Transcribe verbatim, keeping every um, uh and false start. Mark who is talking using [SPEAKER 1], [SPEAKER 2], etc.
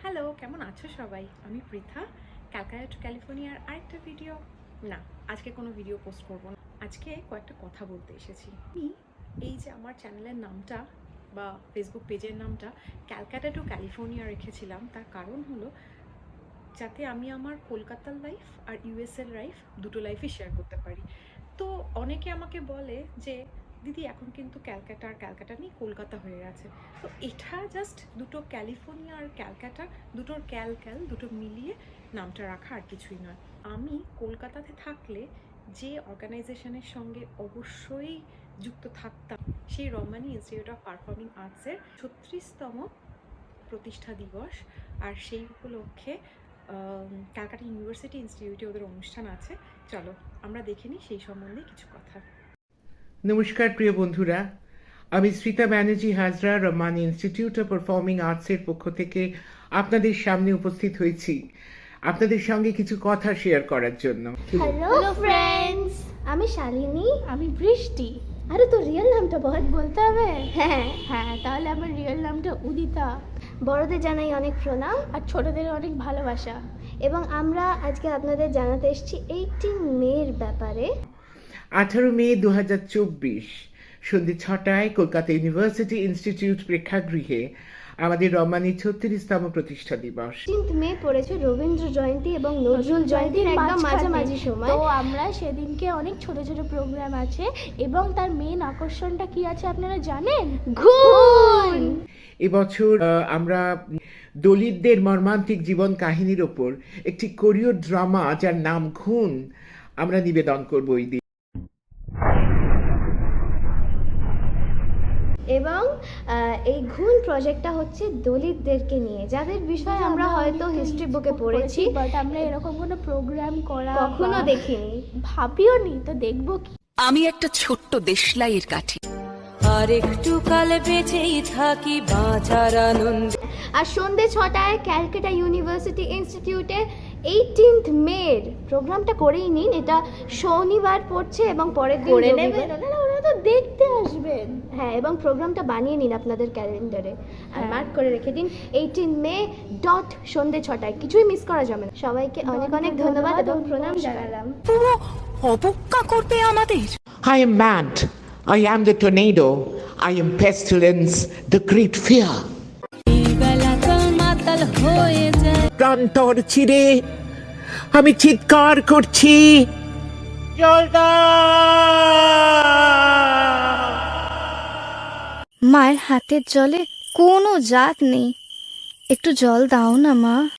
[SPEAKER 1] Hello, কেমন আছো সবাই? আমি পৃথা। ক্যালকাটা টু ক্যালিফোর্নিয়ার আরেকটা ভিডিও না, আজকে কোনো ভিডিও পোস্ট করব না। আজকে কয়েকটা কথা বলতে এসেছি। আমি এই যে আমার চ্যানেলের নামটা বা ফেসবুক পেজের নামটা ক্যালকাটা টু ক্যালিফোর্নিয়া রেখেছিলাম, তার কারণ হলো যাতে আমি আমার কলকাতার লাইফ আর ইউএসএর লাইফ দুটো লাইফই শেয়ার করতে পারি। তো অনেকে আমাকে বলে যে দিদি এখন কিন্তু ক্যালকাটা আর ক্যালকাটা নেই, কলকাতা হয়ে গেছে। তো এটা জাস্ট দুটো ক্যালিফোর্নিয়া আর ক্যালকাটা, দুটোর ক্যাল ক্যাল দুটো মিলিয়ে নামটা রাখা, আর কিছুই নয়। আমি কলকাতাতে থাকলে যে অর্গানাইজেশনের সঙ্গে অবশ্যই যুক্ত থাকতাম, সেই রমানি ইনস্টিটিউট অফ পারফর্মিং আর্টসের ছত্রিশতম প্রতিষ্ঠা দিবস, আর সেই উপলক্ষে ক্যালকাটা ইউনিভার্সিটি ইনস্টিটিউটে ওদের অনুষ্ঠান আছে। চলো আমরা দেখে নিই সেই সম্বন্ধে কিছু কথা।
[SPEAKER 2] নমস্কার প্রিয় বন্ধুরা, আমি Srita Banerjee Hazra Rahmani institute of performing আর্টসের পক্ষ থেকে আপনাদের সামনে উপস্থিত হয়েছি আপনাদের সঙ্গে কিছু কথা শেয়ার করার জন্য।
[SPEAKER 3] হ্যালো ফ্রেন্ডস, আমি শালিনী।
[SPEAKER 4] আমি বৃষ্টি।
[SPEAKER 3] আরে তো রিয়েল নামটা বল।
[SPEAKER 4] বলতে হবে?
[SPEAKER 3] হ্যাঁ
[SPEAKER 4] হ্যাঁ, তাহলে আমার রিয়েল নামটা উদিতা।
[SPEAKER 3] বড়দের জানাই অনেক প্রণাম
[SPEAKER 4] আর ছোটদের অনেক ভালোবাসা।
[SPEAKER 3] এবং আমরা আজকে আপনাদের জানাতে এসেছি এইটিন মের ব্যাপারে।
[SPEAKER 2] আঠারো মে দু হাজার চব্বিশ সন্ধ্যে ছটায় কলকাতা ইউনিভার্সিটি ইনস্টিটিউট প্রেক্ষাগৃহে আমাদের রমানির ছত্রিশতম প্রতিষ্ঠা দিবস।
[SPEAKER 3] এইটিন মে পড়েছে রবীন্দ্র জয়ন্তী এবং নজরুল জয়ন্তীর একদম মাঝামাঝি সময়।
[SPEAKER 4] তো আমরা সেদিনকে অনেক ছোট ছোট প্রোগ্রাম আছে, এবং তার মেন আকর্ষণটা কি আছে আপনারা জানেন?
[SPEAKER 3] ঘুন।
[SPEAKER 2] এবছর আহ, আমরা দলিতদের মর্মান্তিক জীবন কাহিনীর ওপর একটি কোরিও ড্রামা যার নাম ঘুণ আমরা নিবেদন করব এই দিন।
[SPEAKER 3] এবং এই ঘুণ প্রজেক্টটা হচ্ছে দলিতদেরকে নিয়ে, যাদের বিষয়ে আমরা হয়তো হিস্ট্রি বুকে পড়েছি,
[SPEAKER 4] বাট আমরা এরকম কোনো প্রোগ্রাম করা
[SPEAKER 3] কখনো দেখিনি,
[SPEAKER 4] ভাবিও নি। তো দেখবো কি।
[SPEAKER 5] আমি একটা ছোট্ট দেশলাইয়ের কাঠি,
[SPEAKER 6] আর একটু কাল বেঁচেই থাকি বাঁচার আনন্দ।
[SPEAKER 3] আর সন্ধ্যে ছটায় ক্যালকাটা ইউনিভার্সিটি ইনস্টিটিউটে এইটিন্থ মের প্রোগ্রামটা করেই নিন। এটা শনিবার পড়ছে এবং পরের দিন
[SPEAKER 4] করে
[SPEAKER 3] রবিবার।
[SPEAKER 4] নেবেন, ওনারা ওনারা তো দেখতে আসবেন।
[SPEAKER 3] হ্যাঁ, এবং প্রোগ্রামটা বানিয়ে নিন আপনাদের ক্যালেন্ডারে আর মার্ক করে রেখে দিন এইটিন মে ডট সন্ধ্যে ছটায়। কিছুই মিস করা যাবে না। সবাইকে অনেক অনেক ধন্যবাদ এবং প্রণাম জানালাম।
[SPEAKER 5] পুরো অবজ্ঞা করবে আমাদের।
[SPEAKER 2] I am mad, I am the tornado, I am pestilence, the great fear.
[SPEAKER 6] বেলাকাল মাতাল হয়ে যায়,
[SPEAKER 2] প্রান্তর চিরে আমি চিৎকার করছি, জল দাও।
[SPEAKER 7] মায়ের হাতের জলে কোনো জাত নেই, একটু জল দাও না মা।